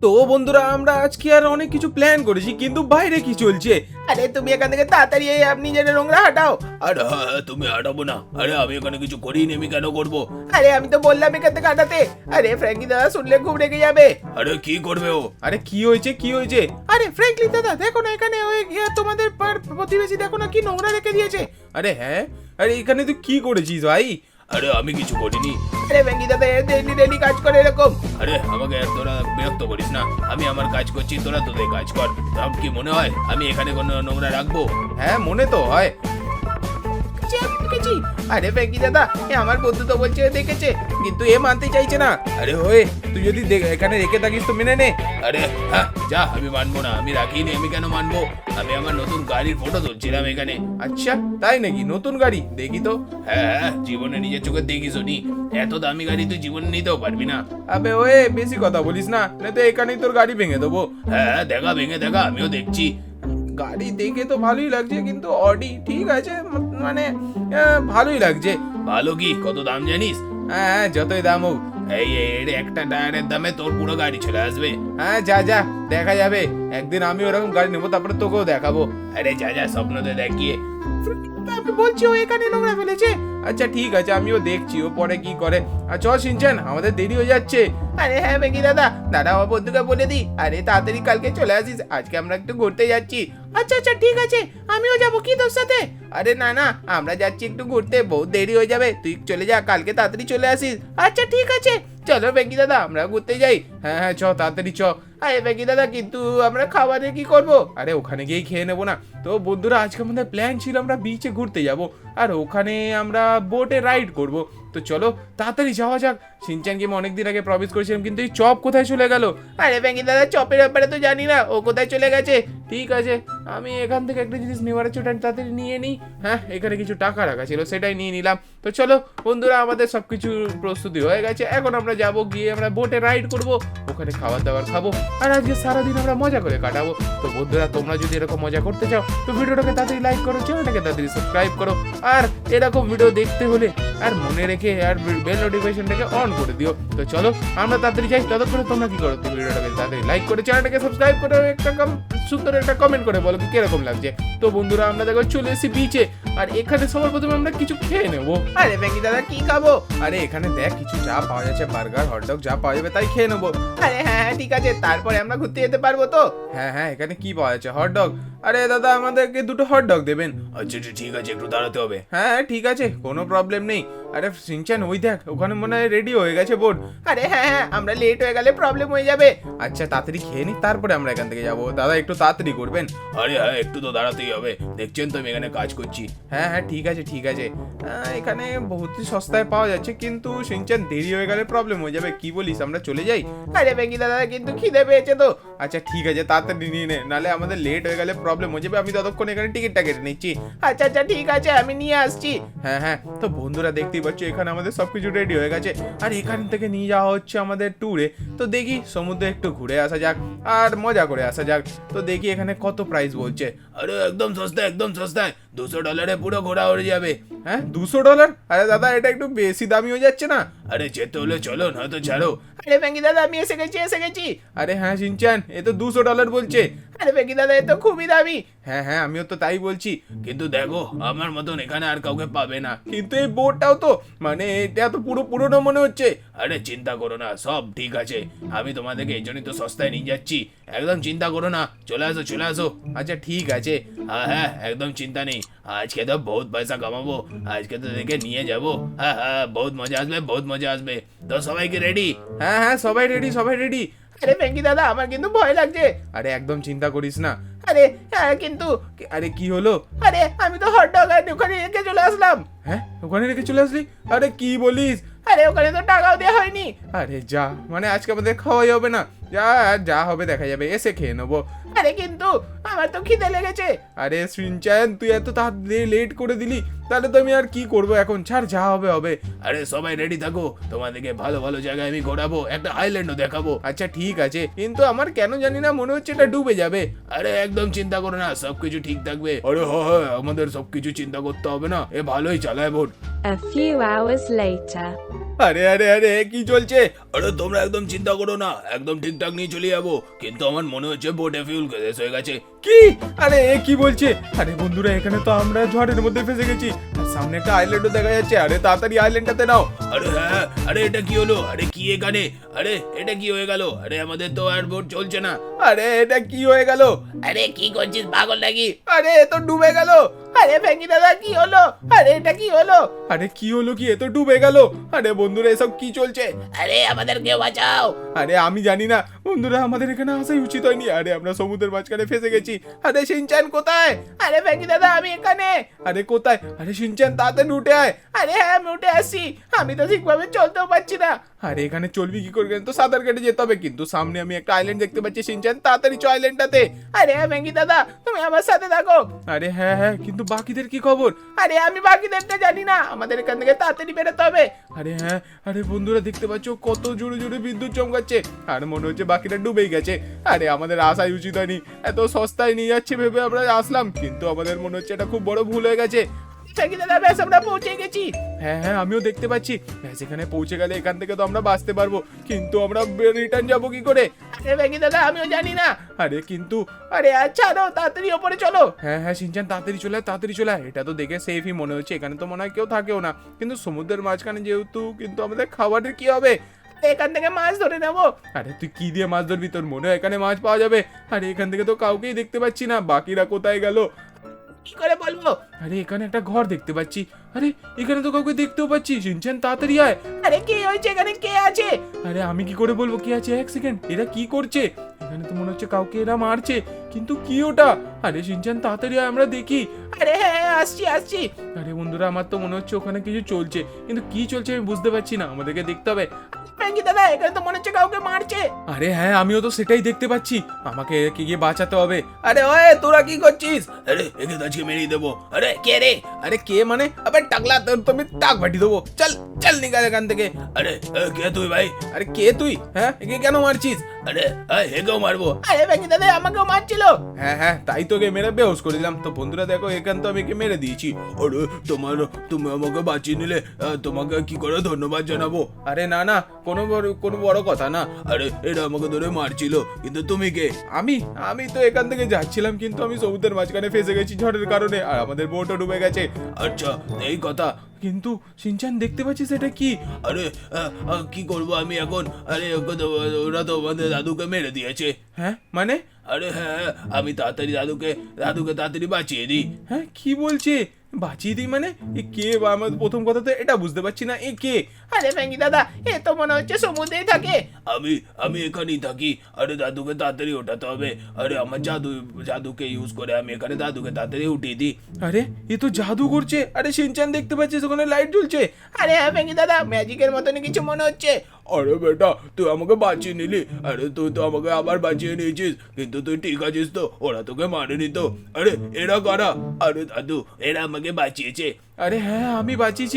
তো বন্ধুরা আমরা আজকে আর অনেক কিছু প্ল্যান করেছি, কিন্তু বাইরে কি চলছে? আরে তুমি এখান থেকে তাড়াতাড়ি আপনি যে নোংরা হাঁটাও। আরে হ্যাঁ তুমি হাঁটাবো না? আরে আমি এখানে কিছু করিনি, আমি কেন করবো? আরে আমি তো বললাম এখান থেকে হাঁটাতে। আরে ফ্র্যাঙ্কি দাদা শুনলে খুব রেগে যাবে। আরে কি করবে ও? আরে কি হয়েছে কি হয়েছে? আরে ফ্র্যাঙ্কলি দাদা দেখো না এখানে ওই তোমাদের প্রতিবেশী দেখো না কি নোংরা রেখে দিয়েছে। আরে হ্যাঁ, আরে এখানে তুই কি করেছিস ভাই? আরে আমি কিছু করিনি। আরে ফ্র্যাঙ্কি দাদা ডেলি ডেলি কাজ করে এরকম। আরে আমাকে তোরা বিরক্ত করিস না, আমি আমার কাজ করছি, তোরা তোদের কাজ কর। তোর কি মনে হয় আমি এখানে কোনো নোংরা রাখবো? হ্যাঁ মনে তো হয়। আমি দেখেছি। আরে ফ্র্যাঙ্কি দাদা আমার বন্ধু তো বলছে দেখেছে, কিন্তু এ মানতে চাইছে না। আরে হয়ে তুই যদি এখানে রেখে থাকিস তো মেনে নে। আরে হ্যাঁ যা, আমি মানবো না, আমি রাখিনি, আমি কেন মানবো? আমি আমার নতুন গাড়ির ফটো তুলছিলাম এখানে। আচ্ছা তাই নাকি? নতুন গাড়ি দেখি তো। হ্যাঁ হ্যাঁ, জীবনে নিজের চোখে দেখিস নি, এত দামি গাড়ি তুই জীবনে নিতেও পারবি না। আবে ওয়ে বেশি কথা বলিস না, তো এখানেই তোর গাড়ি ভেঙে দেবো। হ্যাঁ হ্যাঁ, দেখা ভেঙে দেখা, আমিও দেখছি। গাড়ি দেখে তো ভালোই লাগছে, কিন্তু অডি ঠিক আছে, মানে ভালোই লাগছে। ভালো কি, কত দাম জানিস? হ্যাঁ যতই দাম হোক। এই এর একটা টায়ারের দামে তোর পুরো গাড়ি চলে আসবে। হ্যাঁ যা যা, দেখা যাবে একদিন আমি ওরকম গাড়ি নেবো, তারপরে তোকেও দেখাবো। আরে যা যা, স্বপ্নতে দেখিয়ে। আমি বলছি ও এখানে নোংরা ফেলেছে। আচ্ছা ঠিক আছে, আমিও দেখছি ও পরে কি করে। আর চল সিনচান, আমাদের দেরি হয়ে যাচ্ছে। আরে হ্যাঁ ফ্র্যাঙ্কি দাদা, দাদা আমার বন্ধুকে বলে দি, আরে তাড়াতাড়ি কালকে চলে আসিস, আজকে আমরা একটু ঘুরতে যাচ্ছি। আচ্ছা আচ্ছা ঠিক আছে, আমিও যাবো কি তোর সাথে? আরে না না, আমরা যাচ্ছি একটু ঘুরতে, বহুত দেরি হয়ে যাবে, তুই চলে যা, কালকে তাড়াতাড়ি চলে আসিস। আচ্ছা ঠিক আছে, চলো ফ্র্যাঙ্কি দাদা আমরা ঘুরতে যাই। হ্যাঁ হ্যাঁ চ তাড়াতাড়ি চ। আরে ফ্র্যাঙ্কি দাদা কিন্তু আমরা খাবারে কি করবো? আরে ওখানে গিয়েই খেয়ে নেবো না? তো বন্ধুরা আজকে আমাদের প্ল্যান ছিল আমরা বিচে ঘুরতে যাব, আর ওখানে আমরা বোটে রাইড করব। তো চলো তাড়াতাড়ি যাওয়া যাক। সিনচানকে আমি অনেকদিন আগে প্রমিস করেছিলাম, কিন্তু এই চপ কোথায় চলে গেল? আরে ফ্র্যাঙ্কি দাদা চপের ব্যাপারে তো জানি না, ও কোথায় চলে গেছে। ঠিক আছে, আমি এখান থেকে একটা জিনিস নেওয়ার ছোট তাড়াতাড়ি নিয়ে নিই। হ্যাঁ এখানে কিছু টাকা রাখা ছিল, সেটাই নিয়ে নিলাম। তো চলো বন্ধুরা, আমাদের সবকিছু প্রস্তুতি হয়ে গেছে, এখন আমরা যাব, গিয়ে আমরা বোটে রাইড করব, ওখানে খাবার দাবার খাবো, আর আজকে সারাদিন আমরা মজা করে কাটাবো। তো বন্ধুরা তোমরা যদি এরকম মজা করতে চাও তো ভিডিওটাকে তাড়াতাড়ি লাইক করো, চ্যানেলটাকে তাড়াতাড়ি সাবস্ক্রাইব করো, আর এরকম ভিডিও দেখতে হলে আর মনে রেখে আর বেল নোটিফিকেশনটাকে অন করে দিও। তো চলো আমরা তাড়াতাড়ি যাই, ততক্ষণে তোমরা কি করো, তুমি ভিডিওটাকে তাড়াতাড়ি লাইক করে চ্যানেলটাকে সাবস্ক্রাইব করে একটা সুন্দর একটা কমেন্ট করে বলো কি কিরকম লাগছে। তো বন্ধুরা আমরা দেখো চলে এসেছি বিচে, আর এখানে সবার প্রথমে আমরা কিছু খেয়ে নেবো। আরে ফ্র্যাঙ্কি দাদা কি খাবো? আরে এখানে দেখ কিছু যা পাওয়া যাচ্ছে, বার্গার হটডগ যা পাওয়া যাবে তাই খেয়ে নেবো। আরে হ্যাঁ হ্যাঁ ঠিক আছে, তারপরে আমরা ঘুরতে যেতে পারবো তো? হ্যাঁ হ্যাঁ, এখানে কি পাওয়া যাচ্ছে? হটডগ। আরে দাদা আমাদেরকে দুটো হটডগ দেবেন। আচ্ছা ঠিক আছে, একটু দাঁড়াতে হবে। হ্যাঁ ঠিক আছে, কোনো প্রবলেম নেই। আরে সিনচান ওই দেখ ওখানে মনে হয় রেডি হয়ে গেছে বোর্ড। আরে হ্যাঁ হ্যাঁ, আমরা লেট হয়ে গেলে প্রবলেম হয়ে যাবে। আচ্ছা তাড়াতাড়ি খেয়ে নি, তারপরে আমরা এখান থেকে যাবো। দাদা একটু তাড়াতাড়ি করবেন। আরে হ্যাঁ, একটু তো দাঁড়াতেই হবে, দেখছেন তো আমি এখানে কাজ করছি। হ্যাঁ হ্যাঁ ঠিক আছে ঠিক আছে। এখানে বহুতই সস্তায় পাওয়া যাচ্ছে, কিন্তু সিনচান দেরি হয়ে গেলে প্রবলেম হয়ে যাবে, কি বলিস আমরা চলে যাই? আরে ফ্র্যাঙ্কি দাদা কিন্তু খিদে পেয়েছে তো। আচ্ছা ঠিক আছে, তাড়াতাড়ি নিয়ে নে, নালে আমাদের লেট হয়ে গেলে প্রবলেম হয়ে যাবে। আমি ততক্ষণ এখানে টিকিটটা কেটে নিচ্ছি। আচ্ছা আচ্ছা ঠিক আছে, আমি নিয়ে আসছি। হ্যাঁ হ্যাঁ, তো বন্ধুরা দেখতেই পাচ্ছ এখানে আমাদের সবকিছু রেডি হয়ে গেছে, আর এখান থেকে নিয়ে যাওয়া হচ্ছে আমাদের ট্যুরে। তো দেখি সমুদ্রে একটু ঘুরে আসা যাক আর মজা করে আসা যাক। তো দেখি এখানে কত প্রাইস বলছে। আরে একদম সস্তায়, একদম সস্তায়, $200 পুরো ঘোরা হয়ে যাবে। হ্যাঁ $200? আরে দাদা এটা একটু বেশি দামি হয়ে যাচ্ছে না? আরে যেতে হলে চলো, নয়তো ছাড়ো। আরে ফ্র্যাঙ্কি দাদা আমি এসে গেছি এসে গেছি। আরে হ্যাঁ সিনচান, এ তো $200 বলছে। আরে ফ্র্যাঙ্কি দাদা এ তো খুবই দামি। হ্যাঁ হ্যাঁ আমিও তো তাই বলছি, কিন্তু দেখো আমার মতন এখানে আর কাউকে পাবে না। কিন্তু এই বোর্ডটাও তো মানে এটা তো পুরো পুরোনো মনে হচ্ছে। আরে চিন্তা করো না, সব ঠিক আছে, আমি তোমাদেরকে এই জন্যই তো সস্তায় নিয়ে যাচ্ছি, একদম চিন্তা করো না, চলে আসো চলে আসো। আচ্ছা ঠিক আছে। হ্যাঁ হ্যাঁ, একদম চিন্তা নেই, আজকে তো বহুত পয়সা কামাবো, আজকে তো দেখে নিয়ে যাবো। হ্যাঁ হ্যাঁ, বহুত মজা আসবে, বহুত মজা আসবে। তো সবাইকে রেডি? হ্যাঁ হ্যাঁ সবাই রেডি সবাই রেডি। আরে ফ্র্যাঙ্কি দাদা আমার কিন্তু ভয় লাগছে। আরে একদম চিন্তা করিস না। আরে হ্যাঁ কিন্তু আরে কি হলো? আরে আমি তো হটডগ আর ওখানে রেখে চলে আসলাম। হ্যাঁ ওখানে রেখে চলে আসলি? আরে কি বলিস? আরে ওখানে তো টাকাও দেওয়া হয়নি। আরে যা, মানে আজকে আমাদের খাওয়াই হবে না। যা যা হবে দেখা যাবে, এসে খেয়ে নেবো। আরে কিন্তু আমার তো খিদে লেগেছে। আরে সিনচান তুই এত তাড়াতাড়ি লেট করে দিলি, তাহলে তো আমি আর কি করবো এখন, ছাড় যা হবে হবে। আরে সবাই রেডি থাকো, তোমাদেরকে ভালো ভালো জায়গায় আমি ঘোরাবো, একটা আইল্যান্ডও দেখাবো। আচ্ছা ঠিক আছে, কিন্তু আমার কেন জানি না মনে হচ্ছে এটা ডুবে যাবে। আরে একদম চিন্তা করো না, সবকিছু ঠিক থাকবে। আরে হ্যাঁ হ্যাঁ, আমাদের সবকিছু চিন্তা করতে হবে না, এ ভালোই চালায় boat. A few hours later. আরে আরে আরে কি চলছে? আরে তোমরা একদম চিন্তা করো না, একদম ঠিকঠাক নিয়ে চলে যাবো। কিন্তু আমার মনে হচ্ছে বোটে ফিউল শেষ হয়ে গেছে। কি? আরে এ কি বলছে? আরে বন্ধুরা এখানে তো আমরা ঝড়ের মধ্যে ফেসে গেছি, আর সামনে একটা আইল্যান্ডও দেখা যাচ্ছে। আরে তাড়াতাড়ি আইল্যান্ডটাতে নাও। আরে হ্যাঁ, আরে এটা কি হলো? আরে কি এখানে? আরে এটা কি হয়ে গেল? আরে আমাদের তো আর বোট চলছে না। আরে এটা কি হয়ে গেল? আরে কি করছিস পাগল নাকি? আরে এ তো ডুবে গেল। আরে ভেঙ্গি দাদা কি হলো? আরে এটা কি হলো? আরে কি হলো কি? এ তো ডুবে গেল। আরে বন্ধুরা এসব কি চলছে? আরে আমাদেরকে বাঁচাও। আরে আমি জানি না বন্ধুরা, আমাদের এখানে আসা উচিত হয়নি। আরে আমরা সমুদ্রের মাঝখানে ফেসে গেছি। আরে শিনচান কোথায়? আরে ভেঙ্গি দাদা আমি এখানে। আরে কোথায়? আরে শিনচান তাড়াতাড়ি উঠে আয়। আরে হ্যাঁ আমি উঠে আসি। আমি তো ঠিকভাবে চলতেও পারছি না। আরে এখানে চলবি কি করে? তো সাঁতার কেটে যেতে হবে। কিন্তু সামনে আমি একটা আইল্যান্ড দেখতে পাচ্ছি। শিনচান তাড়াতাড়ি চ আইল্যান্ডটাতে। আরে হ্যাঁ ভেঙ্গি দাদা তুমি আমার সাথে থাকো। আরে হ্যাঁ হ্যাঁ, কিন্তু বাকিদের কি খবর? আরে আমি বাকিদেরটা জানি না, আমাদের এখান থেকে তাড়াতাড়ি বেরোতে হবে। আরে হ্যাঁ, আরে বন্ধুরা দেখতে পাচ্ছ কত জোরে জোরে বিদ্যুৎ চমকাচ্ছে। আর মনে হচ্ছে বাকিটা ডুবেই গেছে। আরে আমাদের আসাই উচিত হয়নি। এত সস্তায় নিয়ে যাচ্ছে ভেবে আমরা আসলাম, কিন্তু আমাদের মনে হচ্ছে এটা খুব বড় ভুল হয়ে গেছে। ভেঙ্গি দাদা ব্যাস আমরা পৌঁছে গেছি। হ্যাঁ হ্যাঁ, আমিও দেখতে পাচ্ছি। ব্যাস এখানে পৌঁছে গেলে এখান থেকে তো আমরা বাঁচতে পারবো, কিন্তু আমরা রিটার্ন যাবো কি করে? আরে ভেঙ্গি দাদা আমিও জানি না। আরে কিন্তু আরে আচ্ছা তাড়াতাড়ি ওপরে চলো। হ্যাঁ হ্যাঁ শিনচান তাড়াতাড়ি চলে আয়, তাড়াতাড়ি চলে আয়। এটা তো দেখে সেফই মনে হচ্ছে। এখানে তো মনে হয় কেউ থাকেও না, কিন্তু সমুদ্রের মাঝখানে যেহেতু, কিন্তু আমাদের খাবারের কি হবে? এখান থেকে মাছ ধরে নেবো। আরে তুই কি দিয়ে মাছ ধরবি? তোর মনে হয় এখানে মাছ পাওয়া যাবে? আরে এখান থেকে তো কাউকেই দেখতে পাচ্ছি না। বাকিরা কোথায় গেল? কি করে বলবো? আরে এখানে একটা ঘর দেখতে পাচ্ছি। আরে এখানে তো কাউকে দেখতেও পাচ্ছি। শিনচান তাড়াতাড়ি আয়। আরে কি হয়েছে? এখানে কে আছে? আরে আমি কি করে বলবো কি আছে? এক সেকেন্ড, এরা কি করছে? এখানে তো মনে হচ্ছে কাউকে এরা মারছে, কিন্তু কি ওটা? আরে শিনচান তাড়াতাড়ি আয়, আমরা দেখি। আরে হ্যাঁ হ্যাঁ, আসছি আসছি। আরে বন্ধুরা আমার তো মনে হচ্ছে ওখানে কিছু চলছে, কিন্তু কি চলছে আমি বুঝতে পারছি না। আমাদেরকে দেখতে হবে। ভেঙ্গি দাদা এখানে তো মনে হচ্ছে কাউকে মারছে। আরে হ্যাঁ, আমিও তো সেটাই দেখতে পাচ্ছি। আমাকে একে গিয়ে বাঁচাতে হবে। আরে ওয়ে তোরা কি করছিস? আরে একে তো আজকে মেরেই দেবো। আরে কে রে? আরে কে মানে? আবে টাকলা, তোর তো আমি টাক বাটি দেবো। চল চল নিকাল এখান থেকে। আরে কে তুই ভাই? আরে কে তুই? হ্যাঁ, একে কেন মারছিস? আরে হেকেও মারবো? আরে ভেঙ্গি দাদা আমাকেও মারছিল। হ্যাঁ হ্যাঁ, তাই তোকে মেরে বেহুশ করে দিলাম। তো বন্ধুরা দেখো, এখান তো আমি একে মেরে দিয়েছি। আরে তুমি আমাকে বাঁচিয়ে নিলে, তোমাকে কি করে ধন্যবাদ জানাবো? আরে না না, কোনো বড় কথা না। আরে এরা আমাকে ধরে মারছিল, কিন্তু তুমি কে? আমি আমি তো এখান থেকে যাচ্ছিলাম, কিন্তু আমি সমুদ্রের মাঝখানে ফেসে গেছি ঝড়ের কারণে, আর আমাদের বোটও ডুবে গেছে। আচ্ছা এই কথা। কিন্তু শিনচান দেখতে পাচ্ছিস এটা কি? আরে কি করবো আমি এখন? আরে ওরা তো আমাদের দাদুকে মেরে দিয়েছে। হ্যাঁ মানে? আরে হ্যাঁ, আমি তাড়াতাড়ি দাদুকে তাড়াতাড়ি বাঁচিয়ে দিই। হ্যাঁ কি বলছে? বাঁচিয়ে দিই মানে? এ কে? বা আমার প্রথম কথা তো এটা বুঝতে পারছি না, এ কে? আরে ভেঙ্গি দাদা এ তো মনে হচ্ছে সমুদ্রেই থাকে। আমি এখানেই থাকি। আরে দাদুকে তাড়াতাড়ি ওঠাতে হবে। আরে আমার জাদুকে ইউজ করে আমি এখানে দাদুকে তাড়াতাড়ি উঠিয়ে দিই। আরে এ তো জাদু করছে। আরে শিনচান দেখতে পাচ্ছিস ওখানে লাইট জ্বলছে। আরে হ্যাঁ ভেঙ্গি দাদা ম্যাজিকের মতনই কিছু মনে হচ্ছে। আরে বেটা, তুই আমাকে বাঁচিয়ে নিলি। আরে তুই তো আমাকে আবার বাঁচিয়ে নিয়েছিস, কিন্তু তুই ঠিক আছিস তো? ওরা তোকে মারেনি তো? আরে এরা কারা? আরে দাদু, এরা আমাকে বাঁচিয়েছে। আরে হ্যাঁ, আমি বাঁচিয়েছি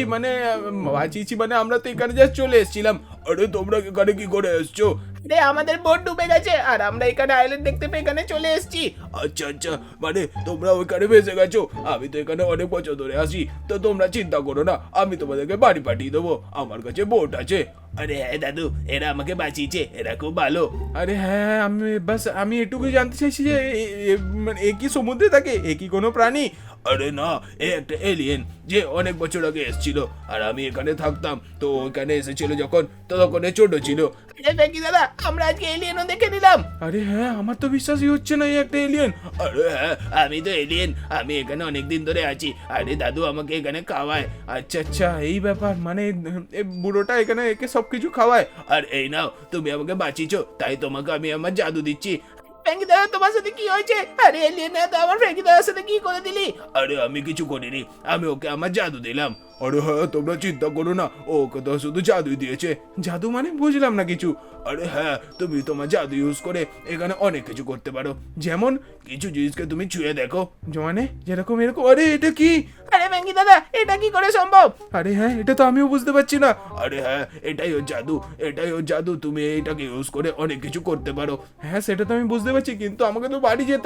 মানে আমরা তো এখানে যা চলে এসেছিলাম। আরে তোমরা এখানে কি করে এসছো? আরে আমাদের বোট ডুবে গেছে আর আমরা এখানে আইল্যান্ড দেখতে পেয়ে এখানে চলে এসেছি। আচ্ছা, মানে তোমরা ওইখানে ভেসে গেছো। আমি তো এখানে অনেক বছর ধরে আসি, তো তোমরা চিন্তা করো না, আমি তোমাদেরকে বাড়ি পাঠিয়ে দেবো। আমার কাছে বোট আছে। আরে হ্যাঁ দাদু, এরা আমাকে বাঁচিয়েছে, এরা খুব ভালো। আরে হ্যাঁ, আমি এটুকুই জানতে চাইছি যে মানে এ কি সমুদ্রে থাকে? এ কি কোনো প্রাণী? আরে না, এ একটা এলিয়েন যে অনেক বছর আগে এসেছিল, আর আমি এখানে থাকতাম। তো ওখানে এসেছিল যখন, তখন এ ছোট ছিল। আরে ভেঙ্গি দাদা আমরা আজকে এলিয়েনও দেখে নিলাম। আরে হ্যাঁ, আমার তো বিশ্বাসই হচ্ছে না এই একটা এলিয়েন। আরে হ্যাঁ, আমি তো এলিয়েন, আমি এখানে অনেকদিন ধরে আছি। আরে দাদু আমাকে এখানে খাওয়ায়। আচ্ছা, এই ব্যাপার। মানে এ বুড়োটা এখানে একে সবকিছু খাওয়ায়। আর এই নাও, তুমি আমাকে বাঁচিয়েছো, তাই তোমাকে আমি আমার জাদু দিচ্ছি। ভেঙ্গি দাদা তোমার সাথে কি হয়েছে? আরে এলিয়েন তো আমার ভেঙ্গি দাদার সাথে কি করে দিলি? আরে আমি কিছু করিনি, আমি ওকে আমার জাদু দিলাম। আরে হ্যাঁ, তোমরা চিন্তা করো না, ওকে তো শুধু জাদুই দিয়েছে। জাদু মানে? বুঝলাম না কিছু। আরে হ্যাঁ, তুমি তোমার জাদু ইউজ করে এখানে অনেক কিছু করতে পারো। যেমন? কিছু জিনিসকে তুমি ছুঁয়ে দেখো। মানে যেরকম এরকম? আরে এটা কি? আরে ভেঙ্গি দাদা এটা কি করে সম্ভব? আরে হ্যাঁ, এটা তো আমিও বুঝতে পারছি না। আরে হ্যাঁ, এটাই ওর জাদু, তুমি এটাকে ইউজ করে অনেক কিছু করতে পারো। হ্যাঁ সেটা তো আমি বুঝতে পারছি, কিন্তু আমাকে তো বাড়ি যেতে হবে।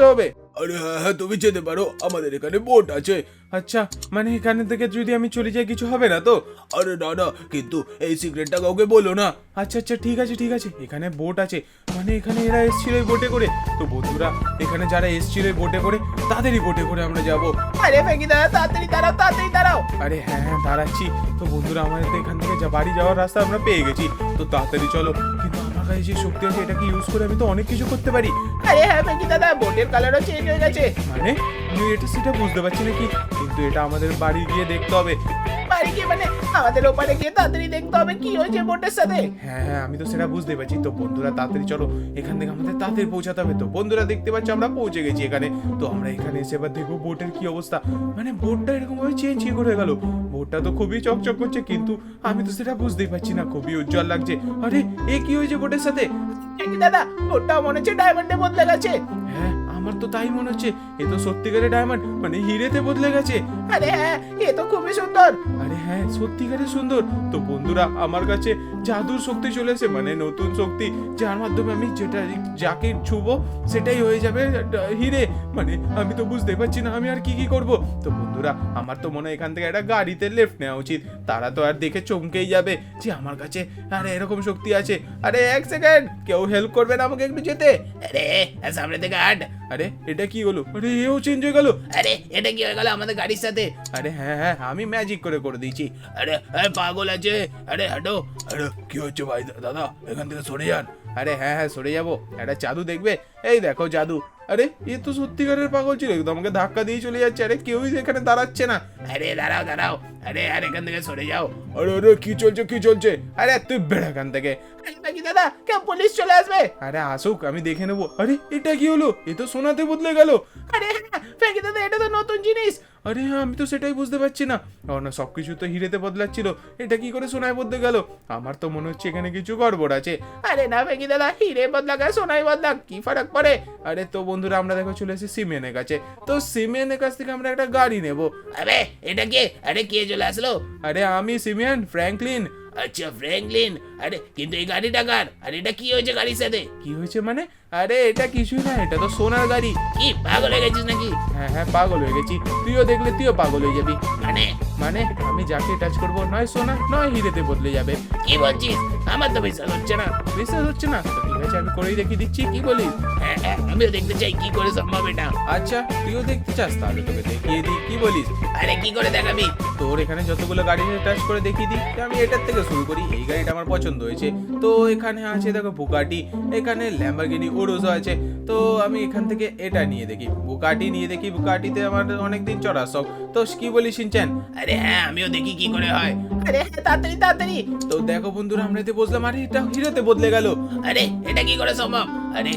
আরে হ্যাঁ হ্যাঁ, তুমি যেতে পারো, আমাদের এখানে বোট আছে। আচ্ছা, মানে এখানে থেকে যদি আমি চলে যাই কিছু হবে না তো? আরে না না, কিন্তু এই সিক্রেটটা কাউকে বলো না। আচ্ছা আচ্ছা, ঠিক আছে ঠিক আছে, এখানে বোট আছে, মানে এখানে এরা এসেছিল এই বোটে করে। তো বন্ধুরা, এখানে যারা এসেছিল এই বোটে করে তাদেরই বোটে করে আমরা যাব। আরে ফেঁকি দাদা, তাড়াতাড়ি দাঁড়াও, তাড়াতাড়ি দাঁড়াও। আরে হ্যাঁ হ্যাঁ, দাঁড়াচ্ছি। তো বন্ধুরা, আমাদের তো এখান থেকে বাড়ি যাওয়ার রাস্তা আমরা পেয়ে গেছি, তো তাড়াতাড়ি চলো। কিন্তু আমার কাছে যে শক্তি আছে এটাকে ইউজ করে আমি তো অনেক কিছু করতে পারি। আরে হ্যাঁ ফেঁকি দাদা, বোটের কালারও চেঞ্জ হয়ে গেছে। মানে আমি এটা সেটা বুঝতে পারছি না কি, কিন্তু এটা আমাদের বাড়ি গিয়ে দেখতে হবে। বাড়ি গিয়ে মানে আমাদের ওপারে গিয়ে তাড়াতাড়ি দেখতে হবে কি হয়েছে বোটের সাথে। হ্যাঁ হ্যাঁ, আমি তো সেটা বুঝতে পারছি। তো বন্ধুরা, তাড়াতাড়ি চলো, এখান থেকে আমাদের তাড়াতাড়ি পৌঁছাতে হবে। তো বন্ধুরা, দেখতে পাচ্ছ আমরা পৌঁছে গেছি এখানে। তো আমরা এখানে এসে এবার দেখবো বোটের কি অবস্থা। মানে বোটটা এরকম ভাবে চেঞ্জ কি করে গেল? বোটটা তো খুবই চকচক করছে, কিন্তু আমি তো সেটা বুঝতেই পারছি না, খুবই উজ্জ্বল লাগছে। আরে এ কি হয়েছে বোটের সাথে? ফেঁকি দাদা, বোটটা মনে হচ্ছে ডায়মন্ডে বদলে গেছে। হ্যাঁ, আমার তো তাই মনে হচ্ছে। এ তো সত্যিকারের ডায়মন্ড, মানে হিরেতে বদলে গেছে। আরে হ্যাঁ, এ তো খুবই সুন্দর। আরে হ্যাঁ, সত্যিকারের সুন্দর। তো বন্ধুরা, আমার কাছে জাদুর শক্তি চলে এসেছে, মানে নতুন শক্তি, যার মাধ্যমে আমি যেটা যাকে ছুবো সেটাই হয়ে যাবে হিরে। মানে আমি তো বুঝতে পারছি না আমি আর কি কি করব। তো বন্ধুরা, আমার তো মনে হয় এখান থেকে একটা গাড়িতে লেফট নেওয়া উচিত। তারা তো আর দেখে চমকেই যাবে যে আমার কাছে আরে এরকম শক্তি আছে। আরে এক সেকেন্ড, কেউ হেল্প করবে না আমাকে একটু যেতে? আরে সামনে থেকে হাট। আরে এটা কি হলো? আরে এও চেঞ্জ হয়ে গেল। আরে এটা কি হয়ে গেল আমাদের গাড়ির সাথে? আরে হ্যাঁ হ্যাঁ, আমি ম্যাজিক করে দিয়েছি। আরে আরে পাগল আছে, আরে হাঁটো। আরে কি হচ্ছে ভাই, দাদা এখান থেকে সরে যান। আরে হ্যাঁ হ্যাঁ, সরে যাবো। একটা জাদু দেখবে? এই দেখো জাদু। আরে এ তো সত্যিকারের পাগল ছিল, একদম আমাকে ধাক্কা দিয়ে চলে যাচ্ছে। আরে কেউই এখানে দাঁড়াচ্ছে না। আরে দাঁড়াও দাঁড়াও, আরে আর এখান থেকে সরে যাও। আরে আরে কি চলছে কি চলছে? আরে তুই বেড়া এখান থেকে। নাকি দাদা, কেউ পুলিশ চলে আসবে। আরে আসুক, আমি দেখে নেবো। আরে এটা কি হলো? এ তো সোনাতে বদলে গেল। আরে হ্যাঁ, ফেঁকি দাদা, এটা তো নতুন জিনিস। আরে হ্যাঁ, আমি তো সেটাই বুঝতে পারছি না। না, সবকিছু তো হিরেতে বদলাচ্ছিল, এটা কি করে সোনায় বদলে গেল? আমার তো মনে হচ্ছে এখানে কিছু গড়বড় আছে। আরে না ফেঁকি দাদা, হিরে বদলাক আর সোনাই বদলাক, কি ফারাক পড়ে? আরে তো বন্ধুরা, আমরা দেখো চলে এসেছি সিমেনের কাছে। তো সিমেনের কাছ থেকে আমরা একটা গাড়ি নেব। আরে এটা কে? আরে কে চলে আসলো? আরে আমি সিমিয়ান ফ্র্যাঙ্কলিন। আচ্ছা ফ্র্যাঙ্কলিন, আরে কিন্তু এই গাড়িটা কার? আর এটা কি হয়েছে গাড়ির সাথে? কি হয়েছে মানে? আরে এটা কিছুই না, এটা তো সোনার গাড়ি। কি পাগল হয়ে গেছিস নাকি? হ্যাঁ হ্যাঁ, পাগল হয়ে গেছি। তুইও দেখলে তুইও পাগল হয়ে যাবি। মানে মানে আমি যাকে টাচ করবো নয় সোনা নয় হিরেতে বদলে যাবে। কি বলছিস? আমার তো বিশ্বাস হচ্ছে না। বিশ্বাস হচ্ছে না? তো ঠিক আছে, আমি করেই দেখিয়ে দিচ্ছি, কি বলিস? হ্যাঁ হ্যাঁ, আমিও দেখতে চাই কি করে সম্ভব এটা। আচ্ছা, তুইও দেখতে চাস? তাহলে তোকে দেখিয়ে দিই, কি বলিস? আরে কি করে দেখাবি? তোর এখানে যতগুলো গাড়ি টাচ করে দেখিয়ে দিই। তো আমি এটার থেকে শুরু করি। এই গাড়িটা আমার পছন্দ হয়েছে। তো এখানে আছে দেখো বুগাটি, এখানে ল্যাম্বরগিনি উরুজো আছে। তো আমি এখান থেকে এটা নিয়ে দেখি, বুগাটি নিয়ে দেখি। বুগাটিতে আমার অনেকদিন চড়ার শখ। তো কি বলিস শিনচ্যান? আরে হ্যাঁ, আমিও দেখি কি করে হয়। আরে হ্যাঁ, তাড়াতাড়ি তাড়াতাড়ি। তো দেখো বন্ধুরা, আমরা এতে বসলাম, আরে এটা হিরেতে বদলে গেল। আরে এটা কি করে সম্ভব? আরে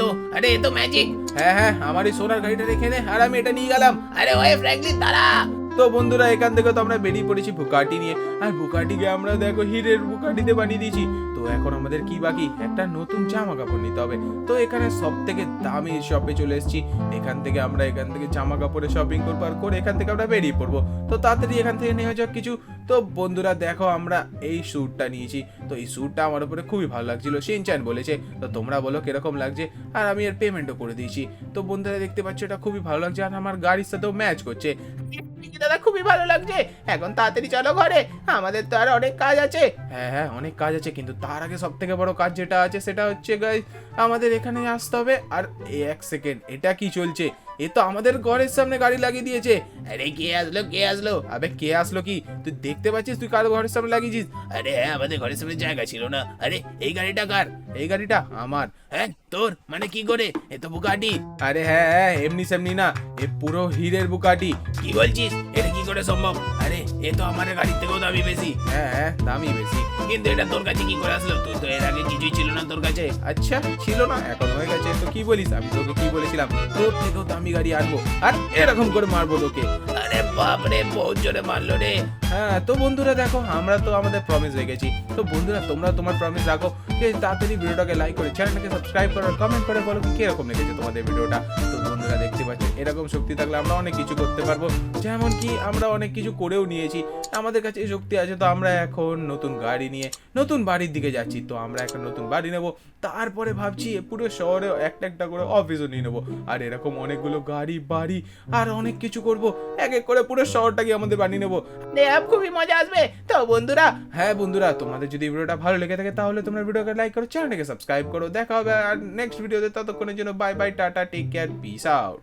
এ তো ম্যাজিক। হ্যাঁ হ্যাঁ, আমার এই সোনার গাড়িটা রেখে নে, আর আমি এটা নিয়ে গেলাম। আরে ওয়ে ফ্র্যাঙ্কলিন, দাঁড়া। তো বন্ধুরা, এখান থেকে তো আমরা বেরিয়ে পড়েছি বুকাটি নিয়ে। আর বুকাটিকে আমরা দেখো হিরের বুকাটিতে বানিয়ে দিয়েছি। তো এখন আমাদের কি বাকি? একটা নতুন জামা কাপড় নিতে হবে। তো এখানে সব থেকে দামি শপে চলে এসেছি। এখান থেকে জামা কাপড়ের শপিং করবো, আর করে এখান থেকে আমরা বেরিয়ে পড়বো। তো তাড়াতাড়ি এখান থেকে নেওয়া যাক কিছু। তো বন্ধুরা দেখো, আমরা এই স্যুটটা নিয়েছি। তো এই স্যুটটা আমার উপরে খুবই ভালো লাগছিল, শিনচ্যান বলেছে। তো তোমরা বলো কিরকম লাগছে। আর আমি এর পেমেন্টও করে দিয়েছি। তো বন্ধুরা দেখতে পাচ্ছ, এটা খুবই ভালো লাগছে, আর আমার গাড়ির সাথেও ম্যাচ করছে। দাদা খুবই ভালো লাগছে। এখন তাড়াতাড়ি চলো ঘরে, আমাদের তো আর অনেক কাজ আছে। হ্যাঁ হ্যাঁ, অনেক কাজ আছে, কিন্তু তার আগে সব থেকে বড় কাজ যেটা আছে সেটা হচ্ছে গাইস, আমাদের এখানে আসতে হবে। আর এক সেকেন্ড, এটা কি চলছে? এ তো আমাদের ঘরের সামনে গাড়ি লাগিয়ে দিয়েছে। আরে কে আসলো কে আসলো? আবে কে আসলো কি? তুই দেখতে পাচ্ছিস তুই কার ঘরের সামনে লাগিয়েছিস? আরে হ্যাঁ, আমাদের ঘরের সামনে জায়গা ছিল না। আরে এই গাড়িটা কার? এই গাড়িটা আমার। হ্যাঁ তোর? মানে কি করে? এ তো বুগাটি। আরে হ্যাঁ হ্যাঁ, এমনি সেমনি না, এ পুরো হিরের বুকাটি। কি বলছিস? এটা কি করে সম্ভব? আরে এ তো আমার গাড়ির থেকেও দামি বেশি। হ্যাঁ হ্যাঁ, দামি বেশি। কিন্তু এটা তোর কাছে কি করে আসলো? তুই তো এর আগে কিছুই ছিল না তোর কাছে। আচ্ছা, ছিল না, এখন হয়ে গেছে। তো কি বলিস? আমি তোকে কি বলেছিলাম, তোর থেকেও দামি গাড়ি আনবো, আর এরকম করে মারবো তোকে। আরে বাপরে, বহুত জোরে মারলো রে। হ্যাঁ, তো বন্ধুরা দেখো, আমরা তো আমাদের প্রমিস হয়ে গেছি। তো বন্ধুরা, তোমরা তোমার প্রমিস রাখো, তাড়াতাড়ি ভিডিওটাকে লাইক করে চ্যানেলটাকে সাবস্ক্রাইব করো, কমেন্ট করে বলো কিরকম লেগেছে তোমাদের ভিডিওটা। তো বন্ধুরা, আপনারা দেখতে পাচ্ছেন এরকম শক্তি থাকলে আমরা অনেক কিছু করতে পারবো, যেমন কি আমরা অনেক কিছু করেও নিয়েছি। আমাদের কাছে এই শক্তি আছে, তো আমরা এখন নতুন গাড়ি নিয়ে নতুন বাড়ির দিকে যাচ্ছি। তো আমরা একটা নতুন বাড়ি নেব, তারপরে ভাবছি পুরো শহরে একটা একটা করে অফিসও নিয়ে নেবো, আর এরকম অনেকগুলো গাড়ি বাড়ি আর অনেক কিছু করব, এক এক করে পুরো শহরটাকে আমাদের বানিয়ে নেবো। দেব খুবই মজা আসবে। তো বন্ধুরা, হ্যাঁ বন্ধুরা, তোমাদের যদি ভিডিওটা ভালো লেগে থাকে তাহলে তোমরা ভিডিওকে লাইক করো, চ্যানেলটাকে সাবস্ক্রাইব করো। দেখা হবে আর নেক্সট ভিডিওতে, ততক্ষণের জন্য bye bye, tata, take care, peace out.